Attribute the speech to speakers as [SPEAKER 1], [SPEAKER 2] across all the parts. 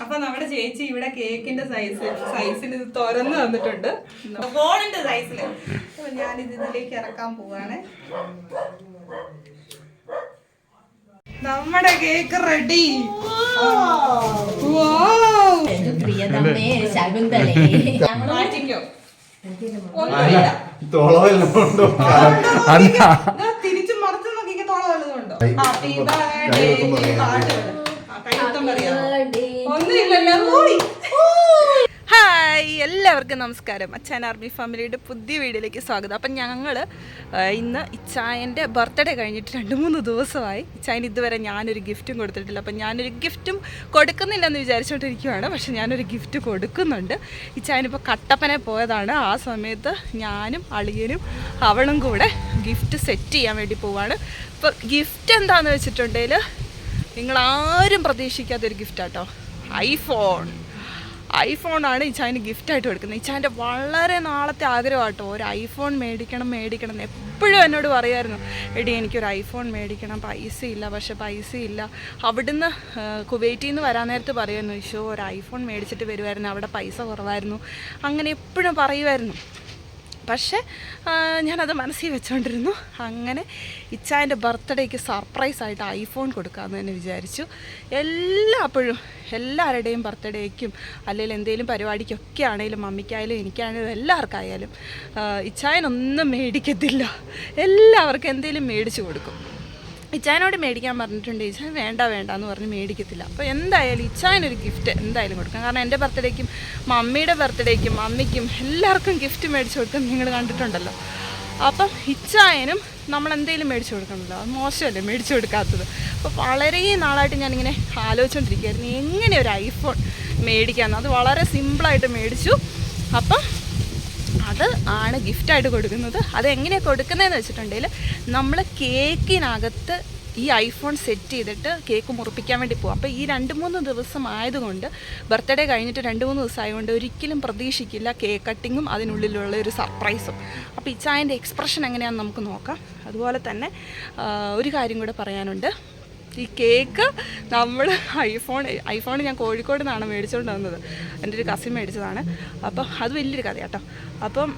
[SPEAKER 1] അപ്പൊ നമ്മുടെ ചേച്ചി ഇവിടെ കേക്കിന്റെ സൈസിൽ ഇത് തുറന്നു തന്നിട്ടുണ്ട്, ഫോണിന്റെ സൈസില്. അപ്പൊ ഞാനിത് ഇതിലേക്ക് ഇറക്കാൻ പോവാണ്. നമ്മുടെ കേക്ക് റെഡി. മാറ്റിക്കോ, തിരിച്ചു മറച്ചു നോക്കിക്കോ, തോള വല്ലതുണ്ടോ? ഹാപ്പി ബർത്ത്ഡേ കൈത്തം പറയാ ഒന്നുമില്ലല്ലോ. ഹായ്, എല്ലാവർക്കും നമസ്കാരം. അച്ഛൻ ആർമി ഫാമിലിയുടെ പുതിയ വീഡിയോയിലേക്ക് സ്വാഗതം. അപ്പം ഞങ്ങൾ ഇന്ന് ഇച്ചായൻ്റെ ബർത്ത്ഡേ കഴിഞ്ഞിട്ട് 2-3 ദിവസമായി. ഇച്ചായന് ഇതുവരെ ഞാനൊരു ഗിഫ്റ്റും കൊടുത്തിട്ടില്ല. അപ്പം ഞാനൊരു ഗിഫ്റ്റും കൊടുക്കുന്നില്ലെന്ന് വിചാരിച്ചുകൊണ്ടിരിക്കുകയാണ്. പക്ഷെ ഞാനൊരു ഗിഫ്റ്റ് കൊടുക്കുന്നുണ്ട്. ഇച്ചായനിപ്പോൾ കട്ടപ്പന പോയതാണ്. ആ സമയത്ത് ഞാനും അളിയനും അവളും കൂടെ ഗിഫ്റ്റ് സെറ്റ് ചെയ്യാൻ വേണ്ടി പോവാണ്. ഇപ്പോൾ ഗിഫ്റ്റ് എന്താണെന്ന് വെച്ചിട്ടുണ്ടെങ്കിൽ നിങ്ങളാരും പ്രതീക്ഷിക്കാത്തൊരു ഗിഫ്റ്റാട്ടോ. ഐഫോണാണ് ഇച്ചായന് ഗിഫ്റ്റായിട്ട് കൊടുക്കുന്നത്. ഇച്ചായൻ്റെ വളരെ നാളത്തെ ആഗ്രഹമാട്ടോ ഒരു ഐഫോൺ മേടിക്കണം എന്ന് എപ്പോഴും എന്നോട് പറയുമായിരുന്നു. എടി എനിക്കൊരു ഐഫോൺ മേടിക്കണം, പക്ഷെ പൈസ ഇല്ല. അവിടുന്ന് കുവൈറ്റിൽ നിന്ന് വരാൻ നേരത്ത് പറയുമായിരുന്നു, ഈശോ ഒരു ഐഫോൺ മേടിച്ചിട്ട് വരുമായിരുന്നു, അവിടെ പൈസ കുറവായിരുന്നു, അങ്ങനെ എപ്പോഴും പറയുമായിരുന്നു. പക്ഷേ ഞാനത് മനസ്സിൽ വെച്ചുകൊണ്ടിരുന്നു. അങ്ങനെ ഇച്ചായൻ്റെ ബർത്ത്ഡേക്ക് സർപ്രൈസായിട്ട് ഐഫോൺ കൊടുക്കാമെന്ന് തന്നെ വിചാരിച്ചു. എല്ലാവരുടെയും ബർത്ത്ഡേക്കും അല്ലെങ്കിൽ എന്തെങ്കിലും പരിപാടിക്കൊക്കെ ആണെങ്കിലും മമ്മിക്കായാലും എനിക്കാണെങ്കിലും എല്ലാവർക്കായാലും ഇച്ചായനൊന്നും മേടിക്കത്തില്ല, എല്ലാവർക്കും എന്തെങ്കിലും മേടിച്ചു കൊടുക്കും. ഇച്ചായനോട് മേടിക്കാൻ പറഞ്ഞിട്ടുണ്ട്, ഇച്ചായൻ വേണ്ട എന്ന് പറഞ്ഞ് മേടിക്കത്തില്ല. അപ്പോൾ എന്തായാലും ഇച്ചായനൊരു ഗിഫ്റ്റ് എന്തായാലും കൊടുക്കാം. കാരണം എൻ്റെ ബർത്ത്ഡേക്കും മമ്മിയുടെ ബർത്ത്ഡേക്കും മമ്മിക്കും എല്ലാവർക്കും ഗിഫ്റ്റ് മേടിച്ചു കൊടുക്കാൻ നിങ്ങൾ കണ്ടിട്ടുണ്ടല്ലോ. അപ്പം ഇച്ചായനും നമ്മളെന്തെങ്കിലും മേടിച്ചു കൊടുക്കണമല്ലോ, അത് മോശമല്ലേ മേടിച്ചു കൊടുക്കാത്തത്. അപ്പോൾ വളരെ നാളായിട്ട് ഞാനിങ്ങനെ ആലോചിച്ചുകൊണ്ടിരിക്കുകയായിരുന്നു എങ്ങനെ ഒരു ഐഫോൺ മേടിക്കാമെന്ന്. അത് വളരെ സിമ്പിളായിട്ട് മേടിച്ചു. അപ്പം അത് ആണ് ഗിഫ്റ്റായിട്ട് കൊടുക്കുന്നത്. അതെങ്ങനെയാണ് കൊടുക്കുന്നതെന്ന് വെച്ചിട്ടുണ്ടെങ്കിൽ നമ്മൾ കേക്കിനകത്ത് ഈ ഐഫോൺ സെറ്റ് ചെയ്തിട്ട് കേക്ക് മുറിപ്പിക്കാൻ വേണ്ടി പോകും. അപ്പോൾ ഈ 2-3 ദിവസം ആയതുകൊണ്ട്, ബർത്ത്ഡേ കഴിഞ്ഞിട്ട് 2-3 ദിവസമായതുകൊണ്ട് ഒരിക്കലും പ്രതീക്ഷിക്കില്ല കേക്ക് കട്ടിങ്ങും അതിനുള്ളിലുള്ള ഒരു സർപ്രൈസും. അപ്പോൾ ഇച്ചായൻ്റെ എക്സ്പ്രഷൻ എങ്ങനെയാണെന്ന് നമുക്ക് നോക്കാം. അതുപോലെ തന്നെ ഒരു കാര്യം കൂടെ പറയാനുണ്ട്. ഈ കേക്ക് നമ്മൾ ഐഫോൺ ഞാൻ കോഴിക്കോട് നിന്നാണ് മേടിച്ചുകൊണ്ട് വന്നത്. എൻ്റെ ഒരു കസിൻ മേടിച്ചതാണ്. അപ്പം അത് വലിയൊരു കഥ കേട്ടോ. അപ്പം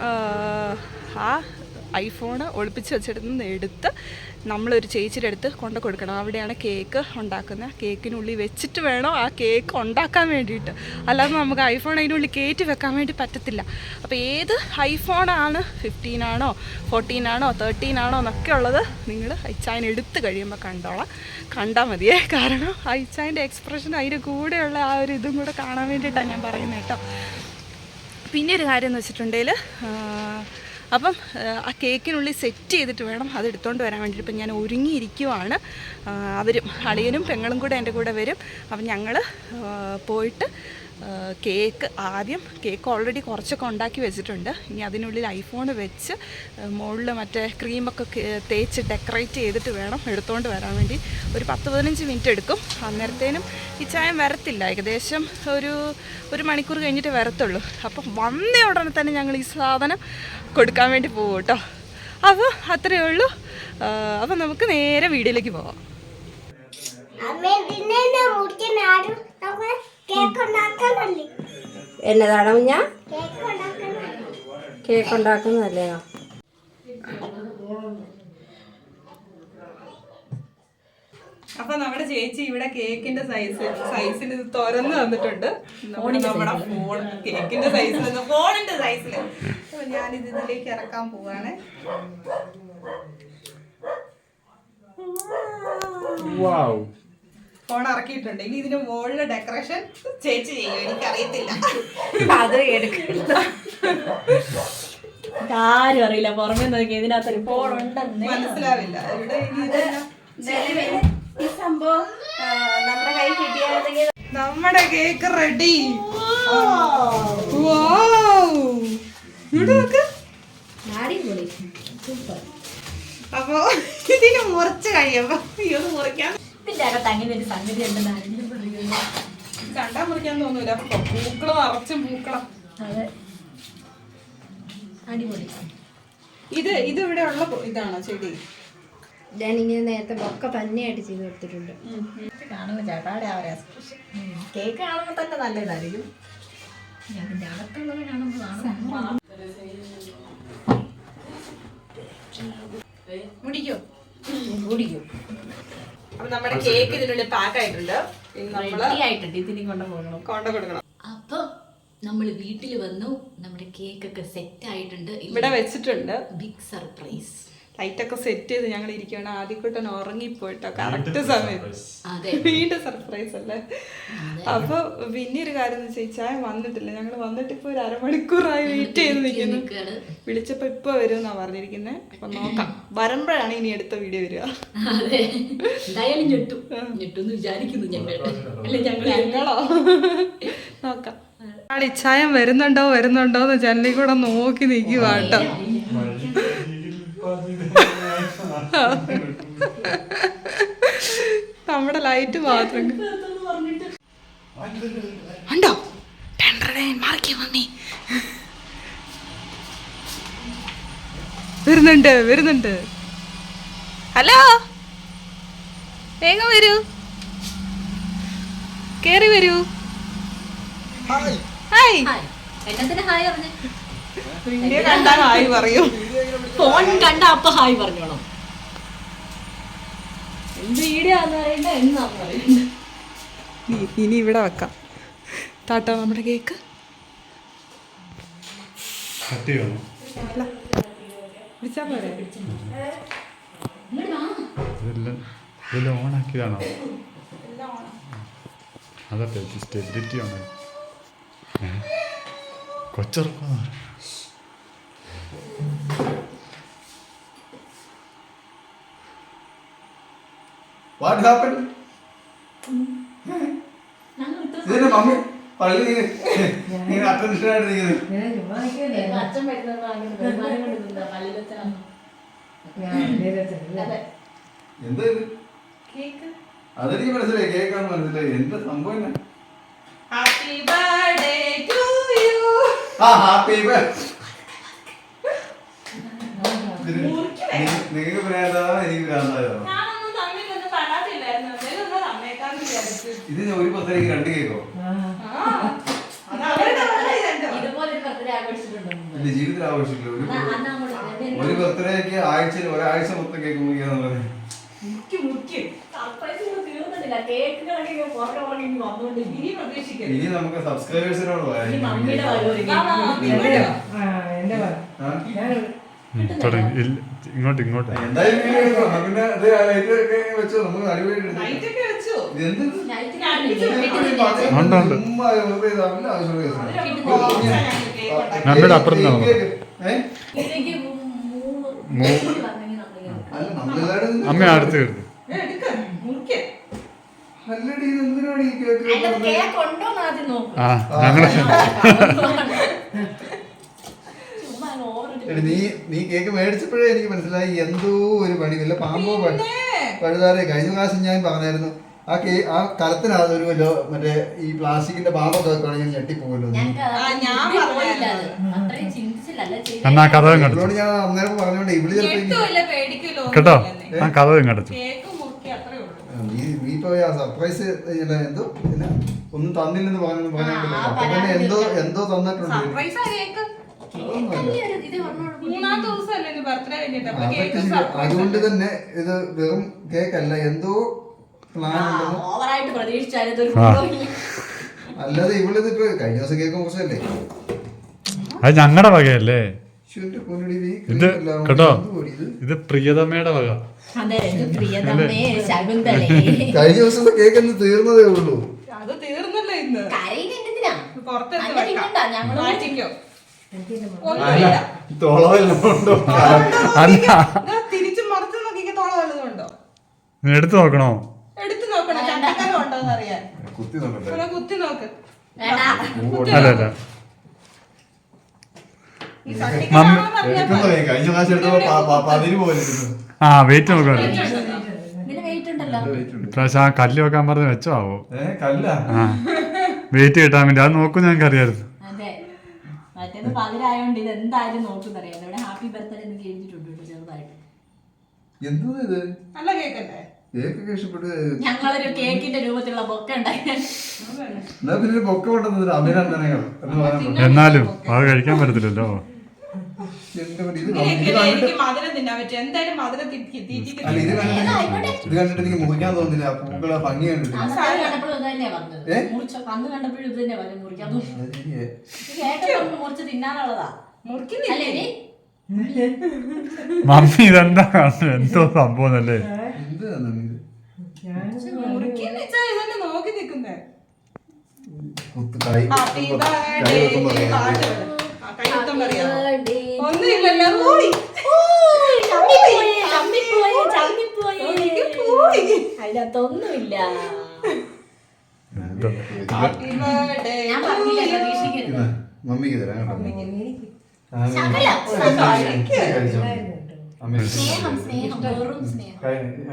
[SPEAKER 1] ആ ഐഫോൺ ഒളിപ്പിച്ച് വെച്ചിടുന്ന് എടുത്ത് നമ്മളൊരു ചേച്ചിയുടെ അടുത്ത് കൊണ്ടു കൊടുക്കണം. അവിടെയാണ് കേക്ക് ഉണ്ടാക്കുന്നത്. കേക്കിനുള്ളിൽ വെച്ചിട്ട് വേണം ആ കേക്ക് ഉണ്ടാക്കാൻ വേണ്ടിയിട്ട്, അല്ലാതെ നമുക്ക് ഐഫോൺ അതിനുള്ളിൽ കയറ്റി വെക്കാൻ വേണ്ടി പറ്റത്തില്ല. അപ്പോൾ ഏത് ഐഫോണാണ് 15 ആണോ 14 ആണോ 13 ആണോ എന്നൊക്കെ ഉള്ളത് നിങ്ങൾ ഇച്ചായൻ എടുത്ത് കഴിയുമ്പോൾ കണ്ടാൽ മതിയേ. കാരണം ഇച്ചായൻ്റെ എക്സ്പ്രഷൻ അതിൻ്റെ കൂടെയുള്ള ആ ഒരു ഇതും കൂടെ കാണാൻ വേണ്ടിയിട്ടാണ് ഞാൻ പറയുന്നത് കേട്ടോ. പിന്നെ ഒരു കാര്യം എന്ന് വെച്ചിട്ടുണ്ടെങ്കിൽ അപ്പം ആ കേക്കിനുള്ളിൽ സെറ്റ് ചെയ്തിട്ട് വേണം അത് എടുത്തുകൊണ്ട് വരാൻ വേണ്ടിയിട്ട്. ഇപ്പം ഞാൻ ഒരുങ്ങിയിരിക്കുവാണ്. അവരും അളിയനും പെങ്ങളും കൂടെ എൻ്റെ കൂടെ വരും. അപ്പം ഞങ്ങൾ പോയിട്ട് കേക്ക് ഓൾറെഡി കുറച്ചൊക്കെ ഉണ്ടാക്കി വെച്ചിട്ടുണ്ട്. ഇനി അതിനുള്ളിൽ ഐഫോൺ വെച്ച് മുകളിൽ മറ്റേ ക്രീമൊക്കെ തേച്ച് ഡെക്കറേറ്റ് ചെയ്തിട്ട് വേണം എടുത്തുകൊണ്ട് വരാൻ വേണ്ടി. ഒരു 10-15 മിനിറ്റ് എടുക്കും. അന്നേരത്തേനും ഈ ചായം വരത്തില്ല, ഏകദേശം ഒരു മണിക്കൂർ കഴിഞ്ഞിട്ട് വരത്തുള്ളൂ. അപ്പം വന്ന ഉടനെ തന്നെ ഞങ്ങൾ ഈ സാധനം കൊടുക്കാൻ വേണ്ടി പോകും കേട്ടോ. അപ്പോൾ അത്രയേ ഉള്ളൂ. അപ്പം നമുക്ക് നേരെ വീഡിയോയിലേക്ക് പോവാം.
[SPEAKER 2] എന്നതാണ് ഞാൻ കേക്ക് ഉണ്ടാക്കുന്നതല്ലേ?
[SPEAKER 1] അപ്പൊ നമ്മുടെ ചേച്ചി ഇവിടെ കേക്കിന്റെ സൈസിൽ ഇത് തുറന്നു തന്നിട്ടുണ്ട്. നമ്മുടെ ഫോൺ കേക്കിന്റെ സൈസിൽ, ഫോണിന്റെ സൈസിൽ. അപ്പൊ ഞാനിത് ഇതിലേക്ക് ഇറക്കാൻ പോവാണ്. ഫോൺ ഇറക്കിയിട്ടുണ്ട്. ഇനി ഇതിന് മുകളിലെ ഡെക്കറേഷൻ ചേച്ചി ചെയ്യും, എനിക്കറിയത്തില്ല.
[SPEAKER 2] അത് എടുക്കില്ല, ആരും അറിയില്ല. പുറമെ നോക്കി ഇതിനകത്തൊരു ഫോൺ ഉണ്ടെന്ന് മനസ്സിലാവില്ല.
[SPEAKER 1] ഇവിടെ
[SPEAKER 2] ഈ സംഭവം നമ്മുടെ കൈ കിട്ടിയാണെങ്കിൽ
[SPEAKER 1] നമ്മുടെ കേക്ക് റെഡി. അപ്പൊ ഇതിന് മുറിച്ച് കഴിയുമ്പോ മുറിക്കാൻ
[SPEAKER 2] ഒരു സംഗതി
[SPEAKER 1] കണ്ടാ മുറിക്കാൻ തോന്നൂല. പൂക്കളം നിറച്ചും പൂക്കളം.
[SPEAKER 2] അതെ, അടിപൊളി.
[SPEAKER 1] ഇത് ഇവിടെ ഉള്ള ഇതാണോ ചെടി?
[SPEAKER 3] ഞാനിങ്ങനെ നേരത്തെ ഒക്കെ തന്നെയായിട്ട് ചെയ്ത് കൊടുത്തിട്ടുണ്ട്.
[SPEAKER 2] കാണുമ്പോൾ ചേട്ടാടെ ആ ഒരു എക്സ്പ്രഷൻ കേക്ക് കാണുമ്പോൾ തന്നെ നല്ലതായിരിക്കും. അതിൻ്റെ അകത്തുള്ളത് കാണുമ്പോഴാണ്
[SPEAKER 1] മുടിക്കോ
[SPEAKER 2] കുടിക്കും.
[SPEAKER 1] അപ്പൊ നമ്മുടെ കേക്ക് ഇതിനുള്ളിൽ പാക്ക് ആയിട്ടുണ്ട്.
[SPEAKER 2] ആയിട്ടുണ്ട്. ഇതിനെ കൊണ്ട് പോകണം,
[SPEAKER 1] കൊണ്ട കൊടുക്കണം.
[SPEAKER 2] അപ്പൊ നമ്മള് വീട്ടിൽ വന്നു. നമ്മുടെ കേക്കൊക്കെ സെറ്റ് ആയിട്ടുണ്ട്.
[SPEAKER 1] ഇവിടെ വെച്ചിട്ടുണ്ട്.
[SPEAKER 2] Big surprise.
[SPEAKER 1] ലൈറ്റൊക്കെ സെറ്റ് ചെയ്ത് ഞങ്ങൾ ഇരിക്കുകയാണ്. ആദ്യക്കൂട്ടൻ ഉറങ്ങിപ്പോയിട്ടോ കറക്റ്റ് സമയത്ത്. വീണ്ടും സർപ്രൈസ് അല്ലേ. അപ്പൊ പിന്നെ ഒരു കാര്യം എന്ന് വെച്ചാൽ വന്നിട്ടില്ല. ഞങ്ങൾ വന്നിട്ട് ഇപ്പൊ ഒരു അരമണിക്കൂറായി വെയിറ്റ് ചെയ്ത് നിൽക്കുന്നു. വിളിച്ചപ്പോ ഇപ്പൊ വരുമെന്നാ പറഞ്ഞിരിക്കുന്നത്. അപ്പൊ നോക്കാം, വരുമ്പോഴാണ് ഇനി അടുത്ത വീഡിയോ വരിക.
[SPEAKER 2] എന്തായാലും ഞെട്ടുന്ന് വിചാരിക്കുന്നു ഞങ്ങളോ.
[SPEAKER 1] നോക്കാം. ഇച്ചായം വരുന്നുണ്ടോ എന്ന് ജനലിൽ കൂടെ നോക്കി നിൽക്കുവാട്ടോ. നമ്മുടെ ലൈറ്റ് മാത്രം ഉണ്ടോ? വരുന്നുണ്ട്. ഹലോ, വേഗം വരൂ, കേറി വരൂ. ഹായ്.
[SPEAKER 2] എന്നത്തിന് ഹായ് പറഞ്ഞു?
[SPEAKER 1] വീഡിയോ കണ്ടാ ഹായ് പറയൂ.
[SPEAKER 2] ഫോൺ കണ്ട അപ്പൊ ഹായ് പറഞ്ഞോളാം. എന്ത് വീഡിയോ ആന്ന് പറയണ്ട, എന്നാന്ന് പറയണ്ട.
[SPEAKER 1] ഇനി ഇവിടെ വെക്കാം. താട്ടോ നമ്മുടെ കേക്ക്. പിടിച്ചാ പോരെ?
[SPEAKER 4] ഇതെല്ലാം ഓണാക്കിയതാണോ? അതട്ടെ, ജസ്റ്റ് എഡിറ്റ് ചെയ്യണം. കൊച്ചിറക്കുന്ന
[SPEAKER 5] What happened? ഇതിന്റെ മമ്മി പള്ളി ഇങ്ങനെ അറ്റൻഷൻ ആയിട്ട് നിൽക്കുന്നത്.
[SPEAKER 2] അച്ഛൻ വരുന്നത്
[SPEAKER 5] എന്താ ഇത്? അതെനിക്ക് മനസ്സിലായി, കേക്കാന്ന് മനസ്സിലായി. എന്താ സംഭവം എന്നാ?
[SPEAKER 1] Happy birthday to you.
[SPEAKER 5] Happy നിങ്ങൾക്ക് ഭ്രാന്താണോ എനിക്ക് ഭ്രാന്തായോ? ഇത് ഒരു പത്തരക്ക് 2 കേക്കോ? എന്റെ ജീവിതത്തിൽ ആഘോഷിക്കില്ല. ഒരു ബർത്ത്ഡേക്ക് ആഴ്ചയിൽ ഒരാഴ്ച മൊത്തം കേക്ക് മുറിക്കാന്നുള്ളത്. ഇനി നമുക്ക് സബ്സ്ക്രൈബേഴ്സിനോട്
[SPEAKER 4] ഇങ്ങോട്ട്
[SPEAKER 5] എന്തായാലും പിന്നെ വെച്ചോ, നമുക്ക് അടിപൊളിയായിട്ട്
[SPEAKER 4] നമ്മുടെ അപ്പുറത്ത് അമ്മ അടുത്ത് കയറുന്നു. ആ ഞങ്ങള്
[SPEAKER 5] നീ കേക്ക് മേടിച്ചപ്പോഴേ എനിക്ക് മനസ്സിലായി എന്തോ ഒരു പണി, വല്ല പാമ്പോ പഴുതാറേ. കഴിഞ്ഞ പ്രാവശ്യം ഞാൻ പറഞ്ഞായിരുന്നു ആ കലത്തിനകത്ത് ഒരു മറ്റേ ഈ പ്ലാസ്റ്റിക്കിന്റെ പാമ്പൊക്കെ വെക്കുകയാണെങ്കിൽ ഞാൻ ഞെട്ടിപ്പോകല്ലോ.
[SPEAKER 4] എന്നാ കഥ
[SPEAKER 5] ഇവളോട് ഞാൻ അന്നേരം പറഞ്ഞോണ്ട് ഇവള് ചിലപ്പോ
[SPEAKER 4] കേട്ടോ ആ കഥ കണ്ടു.
[SPEAKER 5] നീ ഇപ്പൊ സർപ്രൈസ് എന്തോ ഒന്നും തന്നില്ലെന്ന് പറഞ്ഞോണ്ടല്ലോ. അപ്പൊ തന്നെ എന്തോ തന്നിട്ടുണ്ട്. അതുകൊണ്ട് തന്നെ ഇത് വെറും കേക്കല്ല, എന്തോ പ്ലാൻ അല്ലാതെ ഇവളിതിപ്പോ കഴിഞ്ഞ ദിവസം കേക്ക് മുറിച്ചല്ലേ.
[SPEAKER 4] അത് ഞങ്ങളുടെ വകയല്ലേ ഇത് കേട്ടോ. ഇത് പ്രിയതമ്മയുടെ വക.
[SPEAKER 5] കഴിഞ്ഞ ദിവസത്തെ കേക്ക് എന്ന് തീർന്നതേ ഉള്ളൂ.
[SPEAKER 1] അത് തീർന്നല്ലോ ഇന്ന്. തിരിച്ചു മറിച്ച് നോക്കിക്ക് തോള വല്ലതുണ്ടോ?
[SPEAKER 4] എടുത്തു നോക്കണോ?
[SPEAKER 1] എടുത്തു നോക്കണം, ചട്ടക്കാരം ഉണ്ടോന്ന് അറിയാൻ.
[SPEAKER 5] കുത്തി നോക്കട്ടെ.
[SPEAKER 1] കുത്തി നോക്ക്.
[SPEAKER 4] അല്ലല്ല
[SPEAKER 5] കഴിഞ്ഞ പ്രാവശ്യം എടുത്തപ്പോ 10 പോലെ.
[SPEAKER 4] ആ വെയിറ്റ് നോക്കണം. ഇപ്രാവശ്യം ആ കല്ല് വെക്കാൻ പറഞ്ഞ് വെച്ചോ ആവോ? ആ വെയിറ്റ് കിട്ടാൻ വേണ്ടി അത് നോക്കും. ഞങ്ങൾക്ക് അറിയായിരുന്നു.
[SPEAKER 2] മറ്റേത് പകരായോണ്ട് ഇത് എന്തായാലും നോക്കുന്നറിയാം. ഇവിടെ ഹാപ്പി ബർത്ത്ഡേ എന്ന് എഴുതിയിട്ടുണ്ട് ചെറുതായിട്ട്.
[SPEAKER 5] എന്തോ ഇത്
[SPEAKER 1] നല്ല കേക്കല്ലേ?
[SPEAKER 5] കേക്കൊക്കെ ഇഷ്ടപ്പെട്ട്
[SPEAKER 2] ഞങ്ങളൊരു കേക്കിന്റെ രൂപത്തിലുള്ള ബൊക്കെ ഉണ്ടാക്കി.
[SPEAKER 5] എന്നാ പിന്നെ ഒരു പൊക്കം ഉണ്ടെന്ന് അഭിനന്ദനങ്ങൾ എന്ന് പറയാൻ
[SPEAKER 4] എന്നാലും അത് കഴിക്കാൻ പറ്റത്തില്ലല്ലോ.
[SPEAKER 5] എന്റെ പറ്റി ഇത്
[SPEAKER 1] ഇങ്ങനെയൊക്കെയല്ലേ എനിക്ക് മധുരം തിന്നാൻ പറ്റും. എന്തായാലും മധുരം
[SPEAKER 5] അല്ല
[SPEAKER 1] തീറ്റിക്കുന്നു.
[SPEAKER 5] ഇത് കണ്ടിട്ട് എനിക്ക് മുറിക്കാൻ തോന്നുന്നില്ല. ആ പൂക്കളെ ഭംഗി കണ്ടിട്ട്
[SPEAKER 2] കണ്ടപ്പോഴും ഇത് തന്നെയാ പറഞ്ഞത്. അന്ന് കണ്ടപ്പോഴും ഇത് തന്നെ പറഞ്ഞു മുറിക്കാൻ കേക്കൊക്കെ മുറിച്ച് തിന്നാനുള്ളതാ.
[SPEAKER 1] മുറിക്കുന്നില്ലേ?
[SPEAKER 2] അല്ലേ
[SPEAKER 4] മമ്മി ഇതെന്താ കാണുന്നത്? എന്തോ സംഭവം അല്ലേ?
[SPEAKER 5] എന്താണ് ഇത്
[SPEAKER 1] മുറിക്കുന്ന ഇതന്നെ നോക്കി നിൽക്കുന്നേ.
[SPEAKER 5] കുത്ത് കൈ
[SPEAKER 1] ഹാപ്പി
[SPEAKER 5] കൈ
[SPEAKER 1] ബർത്ത്ഡേ
[SPEAKER 5] വെക്കുമ്പോ
[SPEAKER 1] പാട്ട് കൈയുത്തം പറയാ. ഒന്നുമില്ലല്ലോ. പോയി
[SPEAKER 2] അതിനകത്തൊന്നുമില്ല.
[SPEAKER 1] Happy birthday.
[SPEAKER 2] ഞാൻ പറഞ്ഞില്ല പ്രതീക്ഷിക്കരുത്.
[SPEAKER 5] മമ്മിക്ക് തരാം കേട്ടോ.
[SPEAKER 2] സ്നേഹം സ്നേഹം വെറും സ്നേഹം.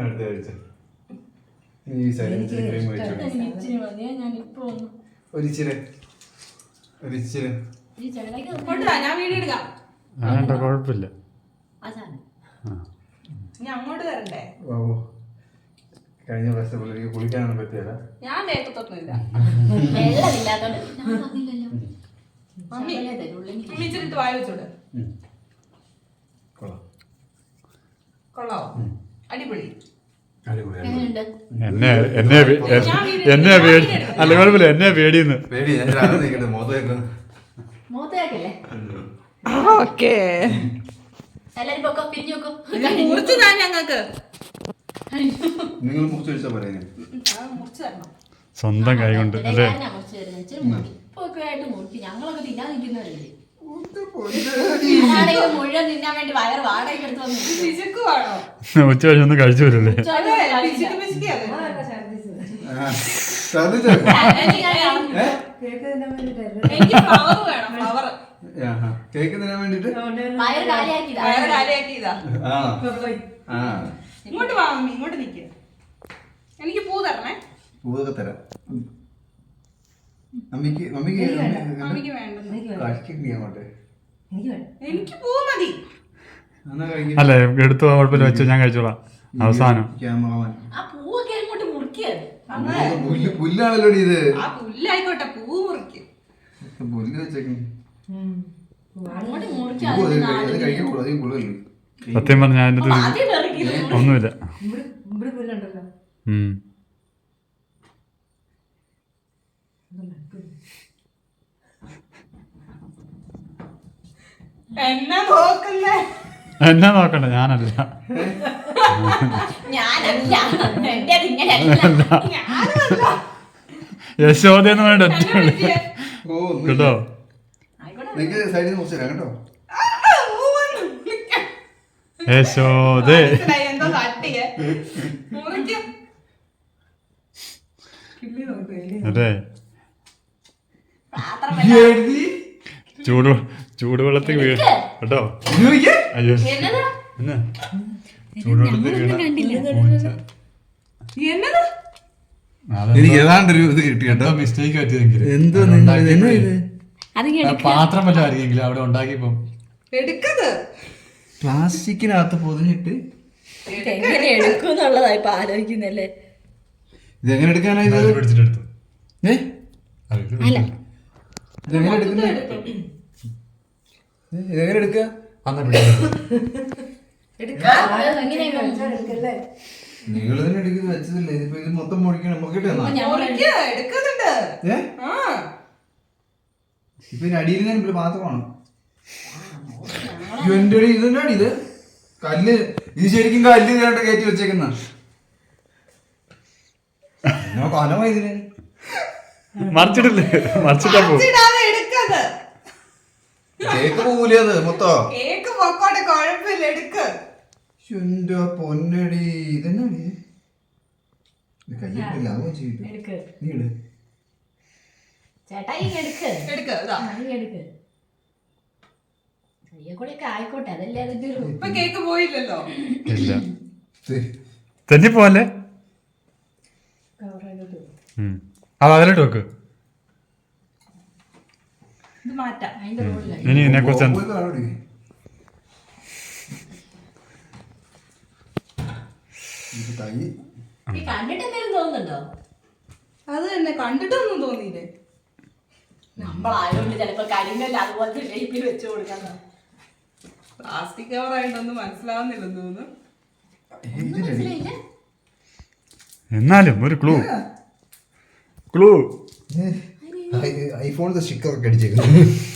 [SPEAKER 2] ഇച്ചിരി മതിയാ. ഞാൻ ഇപ്പൊ ഒന്ന്
[SPEAKER 5] ഒരിച്ചിരി
[SPEAKER 2] ഈ ചേട്ടയ്ക്ക്
[SPEAKER 1] കൊണ്ടുവാ, ഞാൻ വീഡിയോ എടുക്കാം.
[SPEAKER 4] വേണ്ട, കുഴപ്പമില്ല.
[SPEAKER 2] അതാണ്
[SPEAKER 1] ഞാൻ അങ്ങോട്ട് തരണ്ടേ?
[SPEAKER 5] കഴിഞ്ഞ പ്രാവശ്യം പിള്ളേർക്ക് കുളിക്കാനൊന്നും പറ്റിയല്ല.
[SPEAKER 1] ഞാൻ തേക്കത്തൊന്നുമില്ല.
[SPEAKER 2] വെള്ളമില്ലാത്തോണ്ട് ഞാൻ പറഞ്ഞില്ലല്ലോ.
[SPEAKER 1] മമ്മി
[SPEAKER 2] ശകലേ തരുള്ളൂ എനിക്ക്.
[SPEAKER 1] വിളിച്ചിട്ട് വായ വെച്ചോട്.
[SPEAKER 5] കൊള്ളാം.
[SPEAKER 1] കൊള്ളാവോ? അടിപൊളി.
[SPEAKER 2] എങ്ങനെയുണ്ട്?
[SPEAKER 4] എന്നെ പേടി അല്ല, കുഴപ്പമില്ല. എന്നെ പേടിയെന്ന്
[SPEAKER 5] പേടി
[SPEAKER 2] മൂത്തയാക്കല്ലേ?
[SPEAKER 1] ഓക്കേ.
[SPEAKER 2] എല്ലാരും പൊക്കോ, പിരിഞ്ഞു വെക്കോ.
[SPEAKER 1] മുറിച്ച് ഞാൻ ഞങ്ങൾക്ക്
[SPEAKER 5] നിങ്ങൾ മുറിച്ച് വെച്ചാ പറയുന്നത്.
[SPEAKER 1] മുറിച്ച് തരണം.
[SPEAKER 4] സ്വന്തം കൈ കൊണ്ട് അല്ലേ?
[SPEAKER 2] മുറിച്ച് തരുന്നത് ഇച്ചിരി മുറി. ഇപ്പൊ ഒക്കെ ആയിട്ട് മുറിക്കും. ഞങ്ങളൊക്കെ തിന്നാൻ നിൽക്കുന്നവരല്ലേ. മുഴുവൻ തിന്നാൻ വേണ്ടി വയറ് വാടകയ്ക്ക് എടുത്ത് വന്നു.
[SPEAKER 1] പിശുക്കുവാണോ?
[SPEAKER 4] ഉച്ച കഴിഞ്ഞൊന്നും കഴിച്ചു വരില്ലേ?
[SPEAKER 1] പിശുക്ക് പിശുക്കിയത്. എനിക്ക് ഫ്ലവർ വേണം. ഫ്ലവർ
[SPEAKER 5] കേക്ക് തരാൻ വേണ്ടിട്ട്
[SPEAKER 2] വയറ് കാലിയാക്കിയതാ.
[SPEAKER 1] വയറ് കാലിയാക്കിയതാ.
[SPEAKER 5] ആ
[SPEAKER 1] ഇങ്ങോട്ട് വാ മമ്മി, ഇങ്ങോട്ട് നിൽക്കുക. എനിക്ക് പൂ തരണേ.
[SPEAKER 5] പൂവൊക്കെ തരാം. മമ്മിക്ക് മമ്മിക്ക്
[SPEAKER 1] മമ്മിക്ക് വേണ്ടെന്ന്.
[SPEAKER 5] കഴിക്കണ്ടേ അങ്ങോട്ട്?
[SPEAKER 1] എനിക്ക് പൂ മതി.
[SPEAKER 5] എന്നാ കഴിക്കും.
[SPEAKER 4] അല്ലേ, എടുത്തു, കുഴപ്പമില്ല, വെച്ചോ, ഞാൻ കഴിച്ചോളാം. അവസാനം
[SPEAKER 5] ക്യാമറമാൻ
[SPEAKER 2] ആ പൂവൊക്കെ അങ്ങോട്ട് മുറിക്കരുത്.
[SPEAKER 5] പുല്ലാണല്ലോ ഇത്.
[SPEAKER 1] ആ പുല്ലായിക്കോട്ടെ, പൂ മുറിക്കും.
[SPEAKER 5] പുല്ല് വെച്ചേക്കും.
[SPEAKER 2] അങ്ങോട്ട്
[SPEAKER 5] അത്
[SPEAKER 2] മുറിക്കാതെ
[SPEAKER 5] കഴിക്കാൻ കൂടാ, അധികം കൂടുതലല്ലേ.
[SPEAKER 4] സത്യം പറഞ്ഞ ഞാൻ എന്നിട്ട്
[SPEAKER 2] ആദ്യം ഇറക്കിയത്
[SPEAKER 4] ഒന്നുമില്ല.
[SPEAKER 1] എന്നെ നോക്കുന്നേ.
[SPEAKER 4] എന്നാ നോക്കണ്ട, ഞാനല്ല.
[SPEAKER 2] ഞാനല്ല. എന്റെ അതിങ്ങനെയല്ല.
[SPEAKER 4] യശോദയെന്ന് വേണ്ട
[SPEAKER 5] ഓ
[SPEAKER 4] കേട്ടോ.
[SPEAKER 5] നിങ്ങൾക്ക് സൈഡിൽ നിന്ന് മുറിച്ച് തരാം കേട്ടോ.
[SPEAKER 4] യശോദേ.
[SPEAKER 1] മനസ്സിലായി, എന്തോ തട്ടിയേ. മുറിക്കും.
[SPEAKER 4] അതെ,
[SPEAKER 2] പാത്രം
[SPEAKER 4] ചൂടുവെള്ളത്തിൽ വീഴും കേട്ടോ. അയ്യോ,
[SPEAKER 2] എന്നതാ?
[SPEAKER 4] എന്നാ ചൂടുവെള്ളത്തിൽ
[SPEAKER 1] എന്നത്?
[SPEAKER 5] എനിക്ക് ഏതാണ്ടൊരു ഇത് കിട്ടി കേട്ടോ.
[SPEAKER 4] മിസ്റ്റേക്ക് പറ്റിയതെങ്കിൽ
[SPEAKER 5] എന്തോ
[SPEAKER 4] പാത്രം വല്ലതും ആയിരിക്കെങ്കിലും അവിടെ ഉണ്ടാക്കിയപ്പോ
[SPEAKER 1] എടുക്കത്.
[SPEAKER 5] പ്ലാസ്റ്റിക്കിനകത്ത് പൊതിഞ്ഞിട്ട്
[SPEAKER 2] എങ്ങനെ എടുക്കും എന്നുള്ളതാ ഇപ്പൊ ആലോചിക്കുന്നല്ലേ.
[SPEAKER 5] ഇതെങ്ങനെ എടുക്കാനായി
[SPEAKER 4] പിടിച്ചിട്ടെടുത്തു.
[SPEAKER 5] ഇതെങ്ങനെ എടുക്കുന്ന ഇതെങ്ങനെ എടുക്കുക? നിങ്ങൾ തന്നെ എടുക്കുന്നത് വെച്ചതില്ലേ? ഇതിപ്പോ ഇത് മൊത്തം മുറിക്കണം. മുറിക്കട്ടെ എന്നാ?
[SPEAKER 1] എടുക്കുന്നുണ്ട്. ആ
[SPEAKER 5] ഇപ്പൊ ഇതിന് അടിയിൽ തന്നെ പാത്രമാണ്. എന്റെ ഇതെന്നാണ് ഇത്? കല്ല്. ഇത് ശരിക്കും കല്ല് കയറ്റി കയറ്റി വെച്ചേക്കുന്ന കനമായി ഇതിന്.
[SPEAKER 4] മറിച്ചിട്ടില്ലേ? മറിച്ചിട്ടാ പോകും.
[SPEAKER 1] എടുക്കത്.
[SPEAKER 5] കേക്ക് പോകൂലേ അത് മൊത്തം?
[SPEAKER 1] കേക്ക് പൊക്കോട്ടെ, കുഴപ്പമില്ല, എടുക്ക്.
[SPEAKER 5] എന്റെ പൊന്നടി, ഇതെന്നാണ്? കയ്യിട്ടില്ല, അത് ചെയ്തിട്ട് നീ ഇട്.
[SPEAKER 2] ചേട്ടാ ഈ എടുക്ക്.
[SPEAKER 1] എടുക്ക്. ഇതാ.
[SPEAKER 2] എടുക്ക്. കൂടെയൊക്കെ ആയിക്കോട്ടെ, അതല്ലേ അതിന്റെ ഒരു.
[SPEAKER 1] ഇപ്പൊ കേക്ക് പോയില്ലല്ലോ.
[SPEAKER 4] ഇല്ല, തെന്നി പോവല്ലേ. അത് അതിലോട്ട് വെക്ക്.
[SPEAKER 1] ഇത് മാറ്റാം.
[SPEAKER 2] അതിന്റെ റോഡിലായി.
[SPEAKER 4] ഇനി ഇതിനെ കുറിച്ച്
[SPEAKER 5] കൈ
[SPEAKER 2] ഈ കണ്ടിട്ട് എന്തെങ്കിലും തോന്നുന്നുണ്ടോ?
[SPEAKER 1] അത് തന്നെ കണ്ടിട്ടൊന്നും തോന്നിയില്ലേ?
[SPEAKER 2] നമ്മളായതുകൊണ്ട് ചിലപ്പോ കരിങ്കല്ല അതുപോലത്തെ ഷേപ്പിൽ വെച്ച് കൊടുക്കാൻ.
[SPEAKER 1] പ്ലാസ്റ്റിക് കവറായിട്ടൊന്നും മനസ്സിലാവുന്നില്ലെന്ന് തോന്നുന്നു.
[SPEAKER 2] മനസ്സിലായില്ല.
[SPEAKER 4] എന്നാലും ഒരു ക്ലൂ
[SPEAKER 5] ഐഫോണിന്റെ സ്റ്റിക്കർ ഒക്കെ അടിച്ചേക്കുന്നു.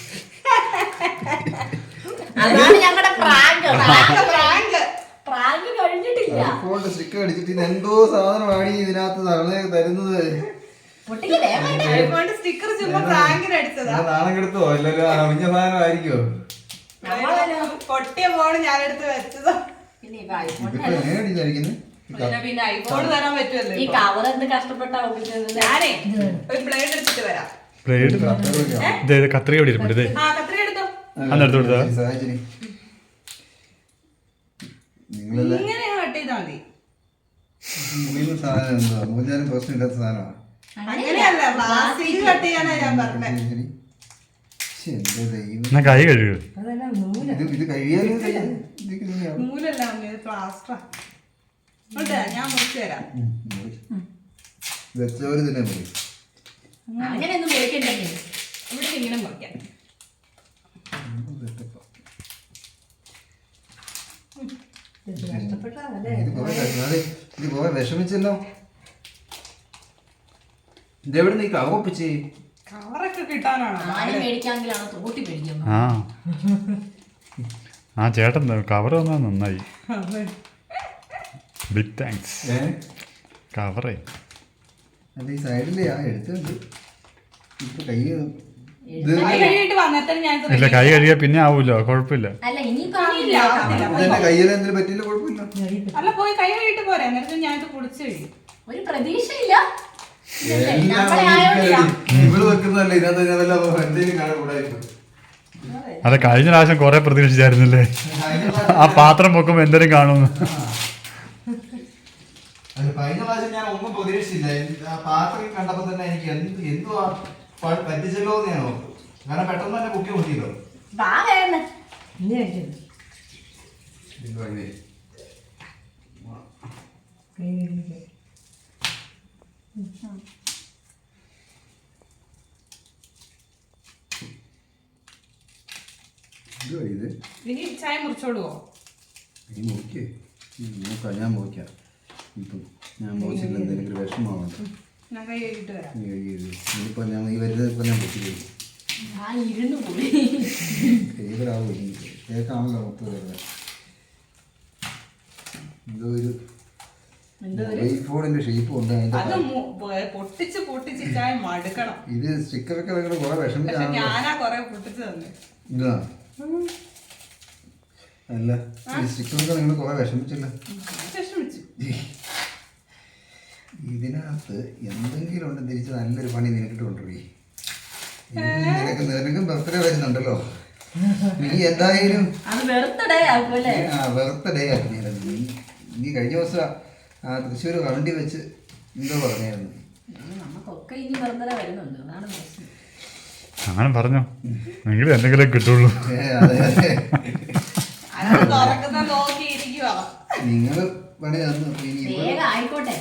[SPEAKER 2] അതാണ് ഞങ്ങളുടെ പ്രാങ്ക്. പ്രാങ്ക് കഴിഞ്ഞിട്ടില്ല.
[SPEAKER 5] ഐഫോണിന്റെ സ്റ്റിക്കർ അടിച്ചിട്ട് ഇത് എന്തോ സാധനമാണ് ഇതിനകത്ത് തരുന്നത്.
[SPEAKER 2] പൊട്ടിക്ക് വേഗം.
[SPEAKER 1] സ്റ്റിക്കർ ചുമ്മാ പ്രാങ്കിന് അടിച്ചതാ.
[SPEAKER 5] നാണം കെടുത്തോ അല്ലല്ലോ അറിഞ്ഞ സാധനമായിരിക്കോ?
[SPEAKER 1] പൊട്ടിയ ഫോണ് ഞാനെടുത്ത് വെച്ചതാ.
[SPEAKER 2] പിന്നെ ഇപ്പൊ ഐഫോൺ
[SPEAKER 5] ഇതിപ്പോ എങ്ങനെയാണ് ഇതായിരിക്കുന്നത്?
[SPEAKER 1] പിന്നെ ഐഫോൺ തരാൻ പറ്റുമല്ലോ.
[SPEAKER 2] ഈ കവർ എന്ത് കഷ്ടപ്പെട്ടാ ഒപ്പിച്ചത്.
[SPEAKER 1] ഞാനേ ഒരു ബ്ലേഡ് എടുത്തിട്ട് വരാം.
[SPEAKER 4] ബ്ലേഡ് ഇത് കത്രിക ഇവിടെ ഇരിപ്പുണ്ട്. ഇത്
[SPEAKER 1] ആ കത്രി എടുത്തോ.
[SPEAKER 4] അന്നെടുത്ത് കൊടുത്താ
[SPEAKER 5] സാഹചര്യം നിങ്ങളെല്ലാം
[SPEAKER 1] ഇങ്ങനെ കട്ട് ചെയ്താൽ മതി.
[SPEAKER 5] മുറിയുന്ന സാധനം എന്താ മൂന്നാലും പ്രശ്നമില്ലാത്ത സാധനമാണ്.
[SPEAKER 1] അങ്ങനെയല്ല പ്ലാസ്റ്റിക് കട്ട് ചെയ്യാനാ ഞാൻ പറഞ്ഞത്.
[SPEAKER 5] എന്റെ ദൈവം,
[SPEAKER 4] എന്നാ കൈ കഴുകുക.
[SPEAKER 5] ഇത് കഴിയാനും
[SPEAKER 1] നൂലല്ല അമ്മ, പ്ലാസ്റ്റർ. ഞാൻ മുറിച്ചു തരാം.
[SPEAKER 5] വെച്ചവര് തന്നെ മുറി.
[SPEAKER 2] അങ്ങനെയൊന്നും വിളിക്കണ്ടേ.
[SPEAKER 1] ഇവിടെ ഇങ്ങനെ മുറിക്കാം.
[SPEAKER 5] ഇത് പോയ വിഷമിച്ചല്ലോ. ഇതെവിടെ നീ കവപ്പിച്ച്
[SPEAKER 1] കവറൊക്കെ കിട്ടാനാണോ?
[SPEAKER 2] ആരും മേടിക്കാമെങ്കിലാണ് തോട്ടി മേടിക്കുന്നത്.
[SPEAKER 4] ആ ചേട്ടൻ കവർ വന്നാൽ നന്നായി. Big thanks. കവറേ
[SPEAKER 5] അത് ഈ സൈഡിലെ ആ എടുത്തുണ്ട്. ഇപ്പൊ കൈ
[SPEAKER 1] കൈ കഴുകിയിട്ട് വന്നിട്ട് ഞാൻ
[SPEAKER 4] ഇല്ല, കൈ കഴുകിയാൽ പിന്നെ ആവൂലോ, കുഴപ്പമില്ല.
[SPEAKER 2] അല്ല ഇനിയിപ്പോ
[SPEAKER 5] കയ്യിലെന്തെങ്കിലും പറ്റില്ല, കുഴപ്പമില്ല.
[SPEAKER 1] അല്ല പോയി കൈ കഴുകിയിട്ട് പോരാ. എന്നിട്ട് ഞാൻ ഇത് പൊളിച്ചു കഴിയും.
[SPEAKER 2] ഒരു പ്രതീക്ഷയില്ല.
[SPEAKER 5] ഇവള് വെക്കുന്നതല്ലേ ഇതിനകത്ത് എന്തെങ്കിലും കാണാൻ.
[SPEAKER 4] അതെ, കഴിഞ്ഞ പ്രാവശ്യം കുറെ പ്രതീക്ഷിച്ചായിരുന്നില്ലേ ആ പാത്രം പൊക്കുമ്പോ എന്തെങ്കിലും കാണുമെന്ന്.
[SPEAKER 5] കഴിഞ്ഞ പ്രാവശ്യം ഞാൻ ഒന്നും പ്രതീക്ഷിച്ചില്ല. ആ പാത്രം കണ്ടപ്പോ തന്നെ എനിക്ക് എന്തുവാ പറ്റിച്ചല്ലോ എന്ന് ഞാൻ ഓർത്തു. കാരണം പെട്ടെന്ന് തന്നെ പൊക്കി നോക്കിയല്ലോ. ഇത്
[SPEAKER 1] ഇനി ചായ മുറിച്ചോടുവോ?
[SPEAKER 5] നീ നോക്കിയേ, നോക്കാം, ഞാൻ നോക്കാം. ഇപ്പം ഞാൻ മോശമില്ല, എന്തെങ്കിലും വിഷമമാണ്.
[SPEAKER 1] ഞാൻ കൈ കഴുകിയിട്ട് വരാം.
[SPEAKER 5] നീ കഴിയരുത്. ഇനിയിപ്പോൾ ഞാൻ ഈ വരുന്നത് ഇപ്പം ഞാൻ പൊട്ടി കഴിയും. ഫേവറാവും എനിക്ക്. കേൾക്കാണല്ലോ മൊത്തം വരുന്നത്. എന്തോ ഒരു ഐഫോണിന്റെ ഷേപ്പ് ഉണ്ട്.
[SPEAKER 1] അത് പൊട്ടിച്ച് പൊട്ടിച്ച് ചായ മടുക്കണം.
[SPEAKER 5] ഇത് സ്റ്റിക്കറൊക്കെ നിങ്ങൾ കുറെ
[SPEAKER 1] പക്ഷെ
[SPEAKER 5] വിഷമിച്ചാണ്.
[SPEAKER 1] ഞാനാ കൊറേ പൊട്ടിച്ച് തന്നെ.
[SPEAKER 5] ഇതാ അല്ല, ഈ സ്റ്റിക്കറൊക്കെ നിങ്ങൾ കുറെ വിഷമിച്ചില്ല.
[SPEAKER 1] വിഷമിച്ചു.
[SPEAKER 5] ഇതിനകത്ത് എന്തെങ്കിലും ഉണ്ട് തിരിച്ച് നല്ലൊരു പണി നിനക്കിട്ട് കൊണ്ടുപോയി. നിനക്കും ബർത്ത്ഡേ വരുന്നുണ്ടല്ലോ. നീ എന്തായാലും
[SPEAKER 2] ബർത്ത്ഡേ ആക്കുമല്ലേ?
[SPEAKER 5] ബർത്ത്ഡേ ആക്കി. നീ കഴിഞ്ഞ ദിവസം ആ തൃശ്ശൂർ വണ്ടി വെച്ച് എന്തോ പറഞ്ഞായിരുന്നു.
[SPEAKER 2] നമുക്കൊക്കെ ഇനി ബർത്ത്ഡേ വരുന്നുണ്ട്, അതാണ് പ്രശ്നം.
[SPEAKER 4] അങ്ങനെ പറഞ്ഞോ, എങ്കിലും എന്തെങ്കിലും കിട്ടുള്ളൂ.
[SPEAKER 5] അതെ അതെ,
[SPEAKER 1] അത് തുറക്കുന്ന നോക്കിയിരിക്കുവാ.
[SPEAKER 5] നിങ്ങള് പണി തന്നു.
[SPEAKER 2] വേഗം ആയിക്കോട്ടെ.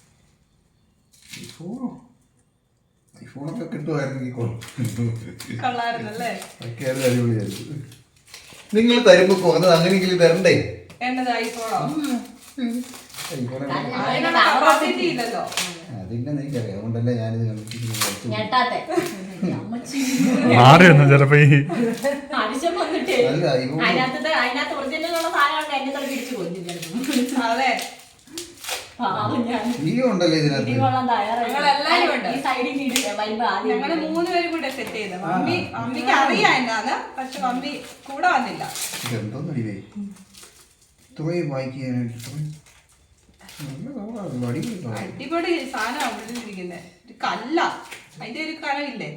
[SPEAKER 5] ഐഫോണൊക്കെ കിട്ടുമായിരുന്നെങ്കിൽ
[SPEAKER 1] കൊള്ളായിരുന്നല്ലേ?
[SPEAKER 5] അടിപൊളിയായിരുന്നു. നിങ്ങൾ തരുമ്പോ കുറഞ്ഞത് അങ്ങനെയെങ്കിലും തരണ്ടേ?
[SPEAKER 1] എന്നത് ഐഫോണോ?
[SPEAKER 5] ഐഫോൺ
[SPEAKER 1] അതിനുള്ള കപ്പാസിറ്റി ഇല്ലല്ലോ.
[SPEAKER 5] അതിന്റെ എനിക്കറിയാം, അതുകൊണ്ടല്ലേ ഞാനിത്
[SPEAKER 2] ഞെട്ടാത്തെ
[SPEAKER 4] മാറി വന്നു ചിലപ്പോ ഈ
[SPEAKER 2] അടിച്ചം വന്നിട്ടേ.
[SPEAKER 5] അല്ല ഐഫോൺ
[SPEAKER 2] അതിനകത്ത് ഒറിജിനലുള്ള സാധനമാണ് എന്നെ കളി പിടിച്ചു കൊഞ്ചിരുന്നത്.
[SPEAKER 1] അതെ,
[SPEAKER 5] വീഡിയോ ഉണ്ടല്ലോ ഇതിനകത്ത്.
[SPEAKER 1] ഞങ്ങളെല്ലാരും ഉണ്ട്.
[SPEAKER 2] ഈ സൈഡിൽ വരുമ്പോ ആദ്യം
[SPEAKER 1] ഞങ്ങള് 3 പേരും കൂടെ സെറ്റ് ചെയ്ത. മമ്മിക്ക് അറിയാം എന്നാണ്, പക്ഷെ മമ്മി കൂടെ വന്നില്ല.
[SPEAKER 5] ഇതെന്തോന്ന് അടിവേ ഇത്രയും വായിക്കാനായിട്ട്
[SPEAKER 1] അടിപൊളി സാധനമാണ് വിളിച്ചിരിക്കുന്നത്. ഒരു കല്ല, അതിന്റെ ഒരു കനവില്ലേ?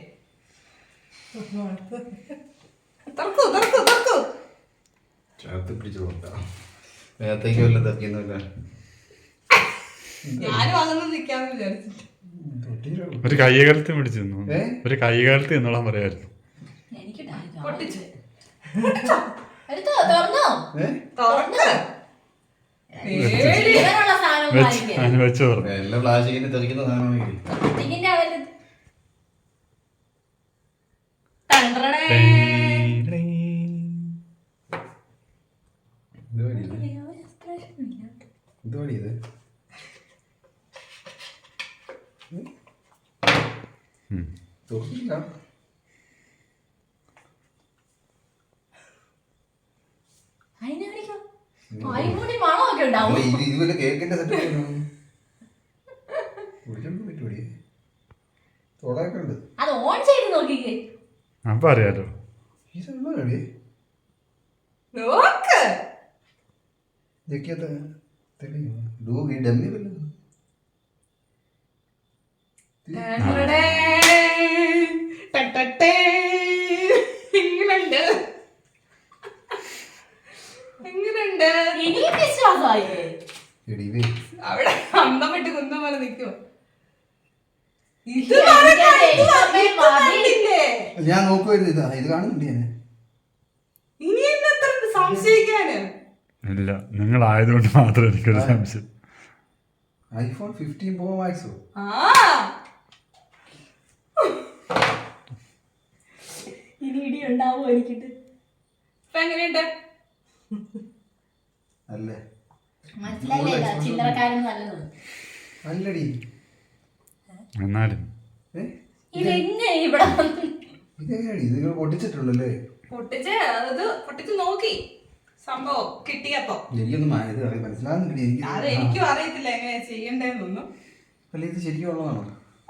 [SPEAKER 1] തുറക്കൂ തുറക്കൂ തുറക്കൂ.
[SPEAKER 5] ചേർത്ത് പിടിച്ചു കൊടുക്കാം. നേരത്തേക്ക് വല്ലതും തപ്പിയൊന്നുമില്ല.
[SPEAKER 1] ഞാനും അതൊന്നും നിക്കാന്ന് വിചാരിച്ചിട്ട്.
[SPEAKER 4] ഒരു കൈകാലത്ത് പിടിച്ചു നിന്നു. ഒരു കൈകാലത്ത് എന്നോളാൻ പറയായിരുന്നു.
[SPEAKER 2] എനിക്ക്
[SPEAKER 1] പൊട്ടിച്ചു.
[SPEAKER 2] എടുത്തോ, തുറന്നോ?
[SPEAKER 1] തുറക്ക്.
[SPEAKER 2] ജീവനുള്ള സാധനം വാങ്ങിക്കരുത്.
[SPEAKER 4] അതിന് വെച്ച് പറഞ്ഞു.
[SPEAKER 5] എല്ലാ പ്ലാസ്റ്റിക്കിന്റെ തെറിക്കുന്ന സാധനമാണെങ്കിൽ
[SPEAKER 2] പ്ലാസ്റ്റിക്കിന്റെ അവര് ടണ്ടറടേ.
[SPEAKER 5] എന്തുവാടി ഇത്? തുറക്കില്ല.
[SPEAKER 2] അതിനായിരിക്കും അരിമുടി മണമൊക്കെ ഉണ്ടാവും.
[SPEAKER 5] അല്ല, ഇത് വല്ല കേക്കിന്റെ സെറ്റ് പറ്റുപടി തൊടയൊക്കെ ഉണ്ട്.
[SPEAKER 2] അത് ഓൺ ചെയ്ത് നോക്കിക്കേ.
[SPEAKER 4] അപ്പൊ അറിയാലോ.
[SPEAKER 5] ഇതുള്ളടി
[SPEAKER 1] നോക്ക്
[SPEAKER 5] ഇതൊക്കെയാ ഡമ്മി വല്ലതും
[SPEAKER 1] എങ്ങനുണ്ട് എങ്ങനുണ്ട്
[SPEAKER 2] ഇനിയും വിശ്വാസമായില്ലേ?
[SPEAKER 5] എടി ഇവേ
[SPEAKER 1] അവിടെ അന്തം വിട്ട് കുന്തം പോലെ നിൽക്കുവോ? ഇത്
[SPEAKER 2] എന്റെ ദൈവമേ, മതി.
[SPEAKER 5] ഞാൻ നോക്കുമായിരുന്നു. ഇത് കാണുന്നുണ്ട് ഞാൻ.
[SPEAKER 1] ഇനി എന്നെ എത്ര സംശയിക്കാന്?
[SPEAKER 4] ഇല്ല, നിങ്ങളായതുകൊണ്ട് മാത്രം എനിക്കൊരു സംശയം.
[SPEAKER 5] ഐഫോൺ 15 Pro Max
[SPEAKER 1] ആ
[SPEAKER 2] ഇനി ഇടി ഉണ്ടാവോ എനിക്കിട്ട്?
[SPEAKER 1] ഇപ്പൊ എങ്ങനെയുണ്ട്?
[SPEAKER 5] അല്ലേ?
[SPEAKER 2] മനസ്സിലായില്ല, ചില്ലറക്കാരൻ നല്ലത്.
[SPEAKER 5] അല്ലടി.
[SPEAKER 4] എന്നാലും
[SPEAKER 2] ഇതെങ്ങനെ ഇവിടെ വന്നു?
[SPEAKER 5] ഇതെങ്ങനെയാടി? ഇത് നിങ്ങൾ പൊട്ടിച്ചിട്ടുള്ളല്ലേ?
[SPEAKER 1] പൊട്ടിച്ച് നോക്കി സംഭവം കിട്ടിയപ്പോ.
[SPEAKER 5] എനിക്കൊന്നും ഇത് മനസ്സിലാകുന്നില്ല. എനിക്ക്
[SPEAKER 1] അത് എനിക്കും അറിയത്തില്ല എങ്ങനെയാ ചെയ്യണ്ടേന്നൊന്നും.
[SPEAKER 5] അല്ല, ഇത് ശരിക്കും ഉള്ളതാണോ?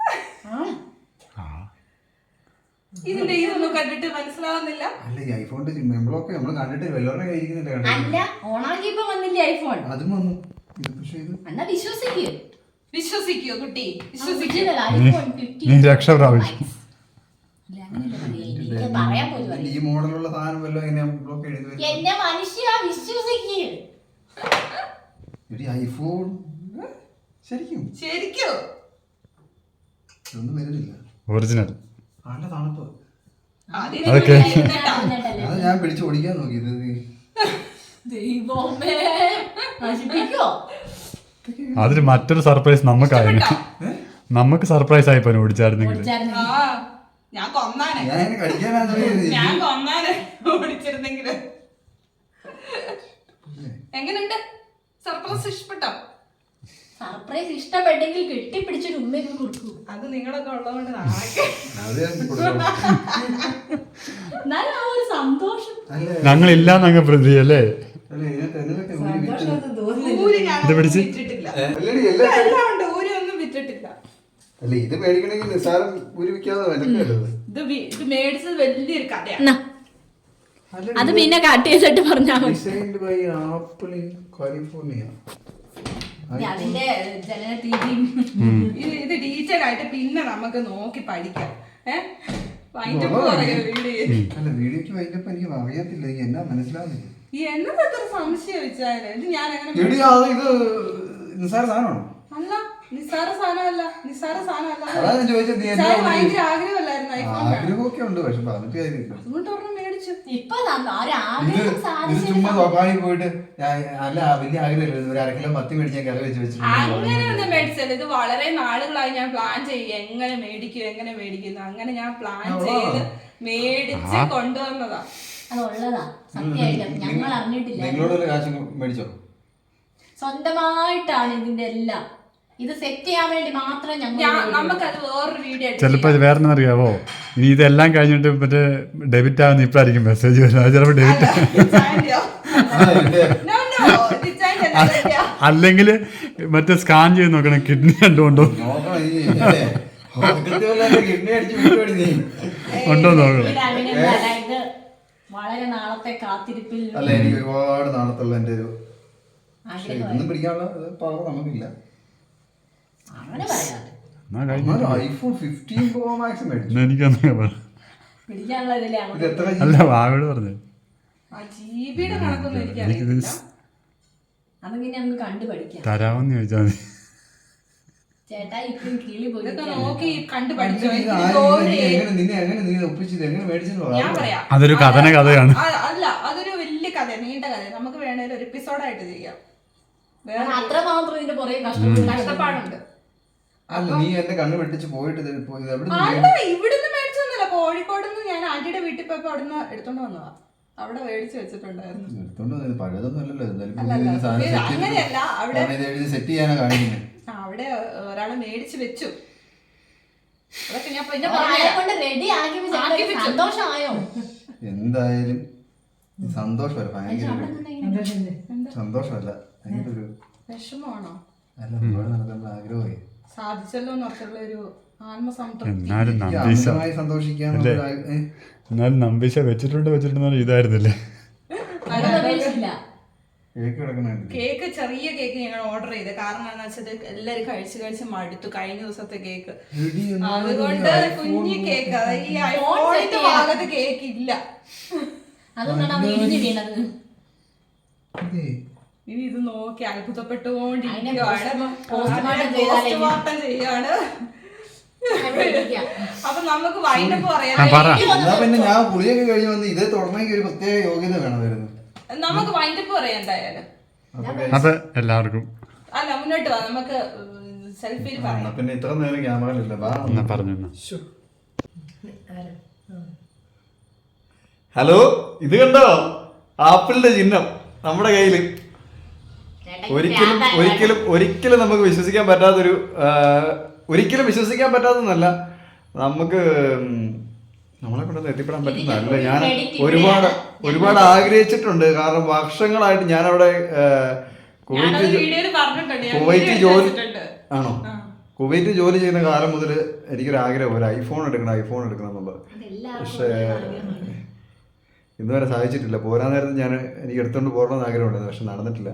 [SPEAKER 1] ഇതിന്റെ ഇതൊന്നും കണ്ടിട്ട് മനസ്സിലാവുന്നില്ല.
[SPEAKER 5] അല്ല, ഈ ഐഫോണിന്റെ എംബ്ലോക്ക് നമ്മൾ കണ്ടിട്ട് വല്ലവരുടെ കയ്യിരിക്കുന്നില്ല.
[SPEAKER 2] അല്ല, ഓണാക്കിയപ്പോ വന്നില്ലേ ഐഫോൺ?
[SPEAKER 5] അതും വന്നു. ഇത് പക്ഷേ ഇത്
[SPEAKER 2] എന്നാ വിശ്വസിക്കൂ.
[SPEAKER 1] വിശ്വസിക്കോ കുട്ടി?
[SPEAKER 2] വിശ്വസിക്കില്ല. ഐഫോൺ 15
[SPEAKER 4] നീ രക്ഷ പ്രാപിച്ചു.
[SPEAKER 2] ഇല്ല, അങ്ങനെയല്ല പറയ്. എനിക്ക് പറയാൻ പോലും അറിയില്ല.
[SPEAKER 5] ഈ മോഡലുള്ള സാധനം വല്ലതും എങ്ങനെയാ ബ്ലോക്ക് എഴുതി വരും?
[SPEAKER 2] എന്നെ മനുഷ്യ വിശ്വസിക്കൂ.
[SPEAKER 5] എടി ഐഫോൺ ശരിക്കും
[SPEAKER 1] ശരിക്കോ?
[SPEAKER 5] ഒന്നും വരുന്നില്ല.
[SPEAKER 4] ഒറിജിനൽ.
[SPEAKER 5] നല്ല തണുപ്പ്.
[SPEAKER 4] അതൊക്കെ
[SPEAKER 5] അത് ഞാൻ പിടിച്ച് ഓടിക്കാൻ നോക്കി. ഇത്
[SPEAKER 2] ദൈവമേ, നശിപ്പിക്കോ?
[SPEAKER 4] അതിന് മറ്റൊരു സർപ്രൈസ് നമുക്കായിരുന്നു. നമുക്ക് സർപ്രൈസ് ആയിപ്പോ ഓടിച്ചായിരുന്നെങ്കിൽ.
[SPEAKER 1] ആ ഞാൻ കൊന്നാനെ.
[SPEAKER 5] ഞാൻ ഇങ്ങനെ കടിക്കാനാണ് തുടങ്ങിയത്.
[SPEAKER 1] ഞാൻ കൊന്നാനെ ഓടിച്ചിരുന്നെങ്കില്. എങ്ങനുണ്ട്? സർപ്രൈസ് ഇഷ്ടപ്പെട്ടോ?
[SPEAKER 2] സർപ്രൈസ് ഇഷ്ടപ്പെട്ടെങ്കിൽ കെട്ടിപ്പിടിച്ചൊരു ഉമ്മയൊക്കെ കൊടുക്കൂ.
[SPEAKER 1] അത് നിങ്ങളൊക്കെ ഉള്ളതുകൊണ്ട് നാളെ
[SPEAKER 5] അത് ഞാൻ കൊടുക്കാം.
[SPEAKER 2] എന്നാലും ആ ഒരു സന്തോഷം.
[SPEAKER 5] അല്ല
[SPEAKER 4] ഞങ്ങളില്ലാന്നങ്ങ് പ്രതി അല്ലേ?
[SPEAKER 5] അല്ല, ഇതിനകത്ത് എന്തെങ്കിലുമൊക്കെ ഊരി വിറ്റ്.
[SPEAKER 1] ഊര് ഞാൻ
[SPEAKER 4] ഇത് പിടിച്ച്?
[SPEAKER 1] വിറ്റിട്ടില്ല.
[SPEAKER 5] അല്ലടി, എല്ലാം
[SPEAKER 1] എല്ലാം ഉണ്ട്, ഊര് ഒന്നും വിറ്റിട്ടില്ല.
[SPEAKER 5] അല്ല, ഇത് മേടിക്കണമെങ്കിൽ നിസ്സാരം ഊരി വിൽക്കാതെ വിലക്കല്ലത്.
[SPEAKER 1] ഇത് മേടിച്ചത് വലിയൊരു കഥയാണ്.
[SPEAKER 2] എന്നാ, അത് പിന്നെ കട്ട് ചെയ്തിട്ട് പറഞ്ഞാൽ മതി.
[SPEAKER 5] Designed by Apple in California.
[SPEAKER 2] അതിന്റെ ജനന തീയതിയും
[SPEAKER 1] ഇത് ഡീറ്റെയിൽ ആയിട്ട് പിന്നെ നമുക്ക് നോക്കി പഠിക്കാം. വീഡിയോ
[SPEAKER 5] അല്ല, വീഡിയോക്ക് വൈകിട്ടപ്പോ എനിക്ക് അറിയത്തില്ല. എനിക്ക് എന്നാ മനസ്സിലാവുന്നില്ല.
[SPEAKER 1] ഈ എന്നത് എത്ര സംശയം വെച്ചാല് ഇത് ഞാൻ എങ്ങനെ
[SPEAKER 5] എടി, ഇത് നിസ്സാര സാധനമാണോ?
[SPEAKER 1] അല്ല, നിസ്സാര സാധനമല്ല, നിസ്സാര സാധനമല്ല.
[SPEAKER 5] അതാ ഞാൻ ചോദിച്ചത്. നീ എന്നാ
[SPEAKER 1] ചായ ഭയങ്കര ആഗ്രഹമല്ലായിരുന്നു ഐഫോൺ വേണം.
[SPEAKER 5] ആഗ്രഹമൊക്കെ ഉണ്ട്, പക്ഷെ പറഞ്ഞിട്ട് കാര്യമില്ല.
[SPEAKER 1] അതുകൊണ്ട് ഒരെണ്ണം മേടിച്ചു.
[SPEAKER 2] ഇപ്പൊ
[SPEAKER 5] ഇത് ചുമ്മാ തൊപ്പാടി പോയിട്ട് അല്ല, വലിയ ആഗ്രഹമില്ല. ഒരു 1/2 കിലോ മത്തി മേടിക്കാൻ കറി വെച്ച്
[SPEAKER 1] അങ്ങനെ ഒന്നും മേടിച്ചത്. ഇത് വളരെ നാളുകളായി ഞാൻ പ്ലാൻ ചെയ്യും എങ്ങനെ മേടിക്കുന്നു. അങ്ങനെ ഞാൻ പ്ലാൻ ചെയ്ത് മേടിച്ച് കൊണ്ടുവന്നതാ.
[SPEAKER 2] അതുള്ളതാ, സത്യമായിട്ടും ഞങ്ങൾ അറിഞ്ഞിട്ടില്ല.
[SPEAKER 5] നിങ്ങളോട് കാശ് മേടിച്ചോ?
[SPEAKER 2] സ്വന്തമായിട്ടാണ് ഇതിന്റെ എല്ലാം. ഇത് സെറ്റ് ചെയ്യാൻ വേണ്ടി മാത്രം
[SPEAKER 1] നമുക്കത് വേറൊരു വീഡിയോ
[SPEAKER 4] ചിലപ്പോ വേറെ അറിയാവോ, ഇനി ഇതെല്ലാം കഴിഞ്ഞിട്ട് മറ്റേ ഡെബിറ്റ് ആവുന്ന ഇപ്പഴായിരിക്കും മെസ്സേജ് വരുന്നത്. ചിലപ്പോ ഡെബിറ്റ് അല്ലെങ്കിൽ മറ്റേ സ്കാൻ ചെയ്ത് നോക്കണം കിഡ്നി കണ്ടുകൊണ്ടോ ഉണ്ടോ നോക്കണം.
[SPEAKER 2] ഇത് വളരെ നാളത്തെ കാത്തിരിപ്പിൽ
[SPEAKER 5] അല്ല, എനിക്ക് ഒരുപാട് നാളത്തുള്ള എന്റെ ഒരു ഇതൊന്നും പിടിക്കാനുള്ള പവർ നമുക്കില്ല.
[SPEAKER 2] അങ്ങനെ പറയാതെ
[SPEAKER 5] ഐഫോൺ 15 Pro Max മേടിച്ചു.
[SPEAKER 4] എനിക്കൊന്നും
[SPEAKER 2] പിടിക്കാനുള്ള ഇതിലെ
[SPEAKER 5] ഇത് എത്ര
[SPEAKER 4] അല്ല, വാവയോട് പറഞ്ഞു.
[SPEAKER 1] ജിബിയുടെ കണക്കൊന്നും എനിക്കറിയില്ല.
[SPEAKER 2] അതെങ്ങനെ നമുക്ക് കണ്ടു പഠിക്കാം.
[SPEAKER 4] തരാമെന്ന് ചോദിച്ചാൽ മതി.
[SPEAKER 2] ചേട്ടാ ഇപ്പം കിളി പോയി
[SPEAKER 1] ഇതൊക്കെ നോക്കി കണ്ടു പഠിച്ചോ.
[SPEAKER 5] നിന്നെ എങ്ങനെ നീ ഒപ്പിച്ചത്, എങ്ങനെ മേടിച്ചെന്ന്
[SPEAKER 1] ഞാൻ പറയാം.
[SPEAKER 4] അതൊരു കഥയാണ്.
[SPEAKER 1] അല്ല, അതൊരു വലിയ കഥ, നീണ്ട കഥ. നമുക്ക് വേണേലും ഒരു എപ്പിസോഡായിട്ട് ചെയ്യാം.
[SPEAKER 2] അത്ര മാത്രം ഇതിന്റെ പുറകെ കഷ്ടപ്പാടുണ്ട്.
[SPEAKER 5] അല്ല നീ എന്റെ കണ്ണ് വെട്ടിച്ച് പോയിട്ട് ഇത് എവിടെ
[SPEAKER 1] അല്ല ഇവിടുന്ന് മേടിച്ചൊന്നുമില്ല, കോഴിക്കോട് നിന്ന് ഞാൻ ആന്റിയുടെ വീട്ടിൽ പോയപ്പോ അവിടുന്ന് എടുത്തോണ്ട് വന്നതാ. അവിടെ മേടിച്ച് വെച്ചിട്ടുണ്ടായിരുന്നു.
[SPEAKER 5] എടുത്തോണ്ട് വന്നത് പഴയതൊന്നും അല്ലല്ലോ.
[SPEAKER 1] അങ്ങനെയല്ല, അവിടെ
[SPEAKER 5] സെറ്റ് ചെയ്യാനാ കാണിക്കുന്നത്.
[SPEAKER 1] അവിടെ ഒരാള് മേടിച്ച് വെച്ചു. അതൊക്കെ ഞാൻ
[SPEAKER 2] കൊണ്ട് റെഡി ആക്കി സന്തോഷമായോ?
[SPEAKER 5] എന്തായാലും സന്തോഷമല്ല, ഭയങ്കര സന്തോഷമല്ല, ഭയങ്കര ഒരു
[SPEAKER 1] വിഷമമാണോ?
[SPEAKER 5] അല്ല ഒരുപാട് നടക്കുന്ന ആഗ്രഹമായി
[SPEAKER 1] സാധിച്ചല്ലോ എന്നുള്ള ഒരു ആത്മസംതൃപ്തി.
[SPEAKER 4] എന്നാലും നമ്പീശ എന്നാലും നമ്പീശ വെച്ചിട്ടുണ്ടെന്ന് ഇതായിരുന്നില്ലേ.
[SPEAKER 5] കേക്ക് കിടക്കുന്നുണ്ട്.
[SPEAKER 1] കേക്ക് ചെറിയ കേക്ക് ഞങ്ങൾ ഓർഡർ ചെയ്ത്. കാരണം എന്താ വെച്ചാൽ എല്ലാരും കഴിച്ച് മടുത്തു കഴിഞ്ഞ ദിവസത്തെ കേക്ക്. അതുകൊണ്ട് കുഞ്ഞു കേക്ക്, ഈ ഐഫോണിന്റെ ഭാഗത്ത് കേക്ക് ഇല്ല. ഇനി ഇത് നോക്കി അത്ഭുതപ്പെട്ടുകൊണ്ടിരിക്കുകയാണ്. പോസ്റ്റ്മോർട്ടം ചെയ്യാണ്. അപ്പൊ നമുക്ക് വൈൻഡപ്പ് പറയാം.
[SPEAKER 5] പിന്നെ ഞാൻ പുളിയൊക്കെ കഴിഞ്ഞ് വന്ന് ഇതേ തുടർന്നെങ്കിൽ ഒരു പ്രത്യേക യോഗ്യത വേണമായിരുന്നു.
[SPEAKER 1] നമുക്ക് വൈൻഡപ്പ് പറയാം എന്തായാലും.
[SPEAKER 4] അപ്പൊ എല്ലാവർക്കും
[SPEAKER 1] അല്ല മുന്നോട്ട് വാ, നമുക്ക് സെൽഫിയിൽ പറയാം.
[SPEAKER 5] പിന്നെ ഇത്ര നേരം ക്യാമറയിലില്ല
[SPEAKER 4] പറഞ്ഞു.
[SPEAKER 5] ഹലോ, ഇത് കണ്ടോ ആപ്പിളിന്റെ ചിഹ്നം നമ്മുടെ കയ്യില്. ഒരിക്കലും നമുക്ക് വിശ്വസിക്കാൻ പറ്റാത്തൊരു ഒരിക്കലും വിശ്വസിക്കാൻ പറ്റാത്തതല്ല, നമുക്ക് നമ്മളെ കൊണ്ടൊന്നും എത്തിപ്പെടാൻ പറ്റുന്നതല്ല. ഞാൻ ഒരുപാട് ആഗ്രഹിച്ചിട്ടുണ്ട്. കാരണം വർഷങ്ങളായിട്ട് ഞാനവിടെ കുവൈറ്റ് ജോലി ചെയ്യുന്ന കാലം മുതൽ എനിക്കൊരു ആഗ്രഹം, ഒരു ഐഫോൺ എടുക്കണം എന്നുള്ളത്. പക്ഷേ ഇന്നുവരെ സാധിച്ചിട്ടില്ല. പോരാൻ നേരത്ത് എനിക്ക് എടുത്തുകൊണ്ട് പോകണമെന്ന് ആഗ്രഹമുണ്ടായിരുന്നു, പക്ഷെ നടന്നിട്ടില്ല.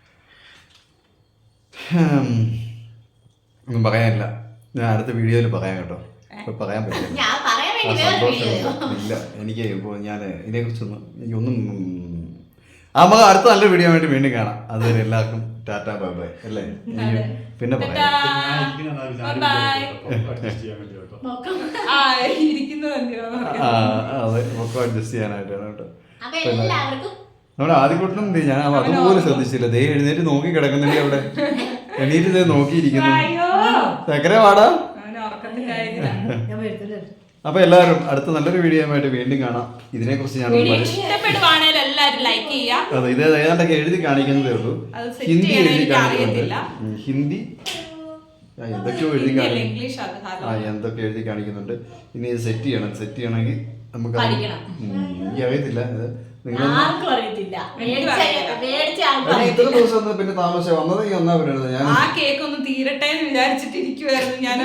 [SPEAKER 5] ഒന്നും പറയാനില്ല, ഞാൻ അടുത്ത വീഡിയോയിൽ പറയാം കേട്ടോ. ഇപ്പൊ പറയാൻ പറ്റില്ല, ഇല്ല എനിക്ക്. ഇപ്പോൾ ഞാൻ ഇതിനെക്കുറിച്ചൊന്നും നമുക്ക് അടുത്ത നല്ല വീഡിയോ ആയിട്ട് വീണ്ടും കാണാം. അതുവരെ എല്ലാവർക്കും ടാറ്റാ ബൈ ബൈ അല്ലേ. പിന്നെ പറയാം. അതെ, ഒക്കെ അഡ്ജസ്റ്റ് ചെയ്യാനായിട്ടാണ് കേട്ടോ. നമ്മുടെ ആദ്യകൂട്ടം ഞാൻ അതുപോലെ ശ്രദ്ധിച്ചില്ല. ദേ എഴുന്നേറ്റ് നോക്കി കിടക്കുന്നില്ലേ അവിടെ, എണീറ്റ് നോക്കിയിരിക്കുന്നു. ചക്കര വാടാ. അപ്പൊ എല്ലാവരും അടുത്ത നല്ലൊരു വീഡിയോ ആയിട്ട് വീണ്ടും കാണാം. ഇതിനെ കുറിച്ച് ഞാൻ അതെ, ഇത് ഏതാണ്ടൊക്കെ എഴുതി കാണിക്കുന്നതേ ഉള്ളൂ. ഹിന്ദി എഴുതി കാണിക്കുന്നുണ്ട്. ഹിന്ദി എന്തൊക്കെയോ എഴുതി കാണിക്കുന്നു. എന്തൊക്കെ എഴുതി കാണിക്കുന്നുണ്ട്. ഇനി ഇത് സെറ്റ് ചെയ്യണമെങ്കിൽ നമുക്ക് എനിക്ക് അറിയത്തില്ല. ഇത്ര ദിവസം പിന്നെ താമസിച്ച വന്നത് ഈ ഒന്നാ പറയുന്നത്. ഞാൻ
[SPEAKER 1] ആ കേക്ക് ഒന്ന് തീരട്ടെ എന്ന് വിചാരിച്ചിട്ടിരിക്കുവായിരുന്നു ഞാൻ.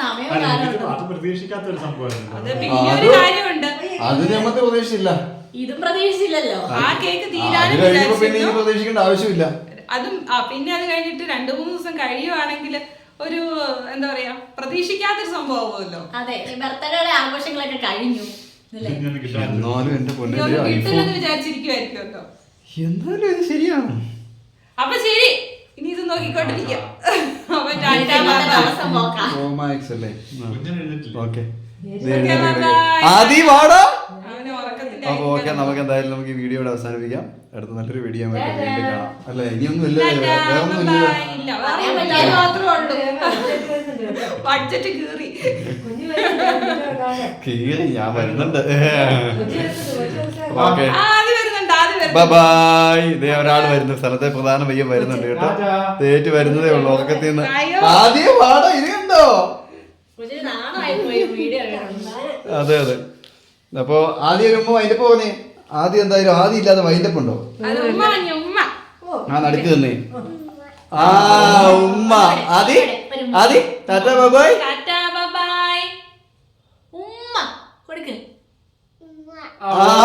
[SPEAKER 5] അത് നമുക്ക് പ്രതീക്ഷിച്ചില്ല.
[SPEAKER 2] ഇതും പ്രതീക്ഷിച്ചില്ലല്ലോ.
[SPEAKER 1] ആ കേക്ക് തീരാനും
[SPEAKER 5] പിന്നെ പ്രതീക്ഷിക്കേണ്ട ആവശ്യമില്ല.
[SPEAKER 1] അതും പിന്നെ അത് കഴിഞ്ഞിട്ട് 2-3 ദിവസം കഴിയുവാണെങ്കിൽ ഒരു എന്താ പറയാ പ്രതീക്ഷിക്കാത്തൊരു സംഭവമല്ലോ.
[SPEAKER 2] അതെ, ബർത്ത്ഡേയുടെ ആഘോഷങ്ങളൊക്കെ കഴിഞ്ഞു.
[SPEAKER 5] എന്നാലും എന്റെ
[SPEAKER 1] കിട്ടില്ലെന്ന് വിചാരിച്ചിരിക്കുവായിരിക്കുമല്ലോ.
[SPEAKER 5] എന്നാലും ഇത് ശരിയാണ്.
[SPEAKER 1] അപ്പൊ ശരി, ഇനി ഇത് നോക്കിക്കൊണ്ടിരിക്കാം.
[SPEAKER 5] അപ്പൊ ഓക്കെ, നമുക്ക് എന്തായാലും നമുക്ക് ഈ വീഡിയോ അവസാനിപ്പിക്കാം. അടുത്ത നല്ലൊരു വീഡിയോ വീണ്ടും കാണാം അല്ലെ. ഇനിയൊന്നും ഇല്ല, വേറെ ഒന്നും കീറി ഞാൻ വരുന്നുണ്ട്. Okay bye. ഇതേ ഒരാൾ വരുന്നു, സ്ഥലത്തെ പ്രധാന പയ്യൻ വരുന്നുണ്ട് കേട്ടോ. തേറ്റ് വരുന്നതേ ഉള്ളൂ ഉറക്കത്തിൽ നിന്ന്. ആദ്യം പാടോ ഇത് കണ്ടോ. അതെ അതെ. അപ്പൊ ആദ്യം ഒരു ഉമ്മ വൈൻഡപ്പ് പോന്നേ. ആദ്യം എന്തായാലും ആദ്യം ഇല്ലാതെ വൈൻഡപ്പ് ഉണ്ടോ? ആ നടുക്ക് തന്നെ. ആ ഉമ്മ ആദ്യം ടാറ്റാ ബൈ.
[SPEAKER 2] ഉമ്മ കൊടുക്ക്.
[SPEAKER 5] ആ